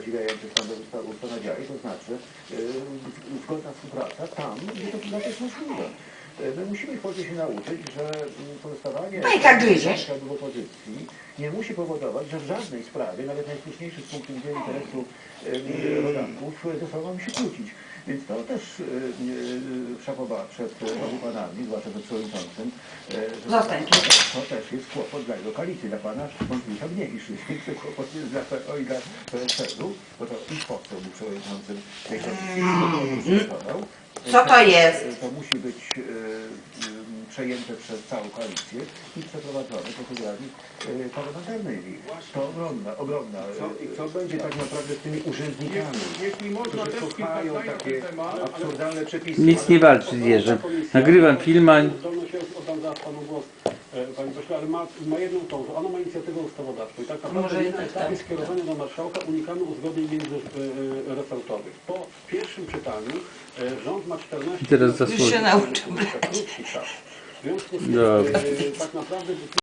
zadziwiające ustanawiali, to znaczy zgodna współpraca tam, gdzie to jest możliwe. My musimy w Polsce się nauczyć, że pozostawanie w opozycji nie musi powodować, że w żadnej sprawie, nawet najsłuszniejszych z punktu widzenia interesu rodaków, ze sobą mamy się kłócić. Więc to też szapoba przed obu panami, zwłaszcza przed przewodniczącym, że to też jest kłopot dla jego koalicji, dla pana Wątpliwości mniejszy. To kłopot jest dla PO i dla PSL-u, bo to i poseł był przewodniczącym tej komisji. Co to jest? To musi być przejęte przez całą koalicję i przeprowadzone procedurami parlamentarnymi. To ogromna. Co będzie tak naprawdę z tymi urzędnikami, którzy kochają takie absurdalne przepisy? Nic nie walczy z Jerzym. Nagrywam film, a... Oddam zaraz panu głos, panie pośle, ale ma jedną tą, że ona ma inicjatywę ustawodawczą i tak naprawdę na etapie skierowania do marszałka unikamy uzgodnień międzyresortowych. Po pierwszym czytaniu rząd ma 14 Teraz Już się nauczył brać. krótki czas. W związku z tym tak naprawdę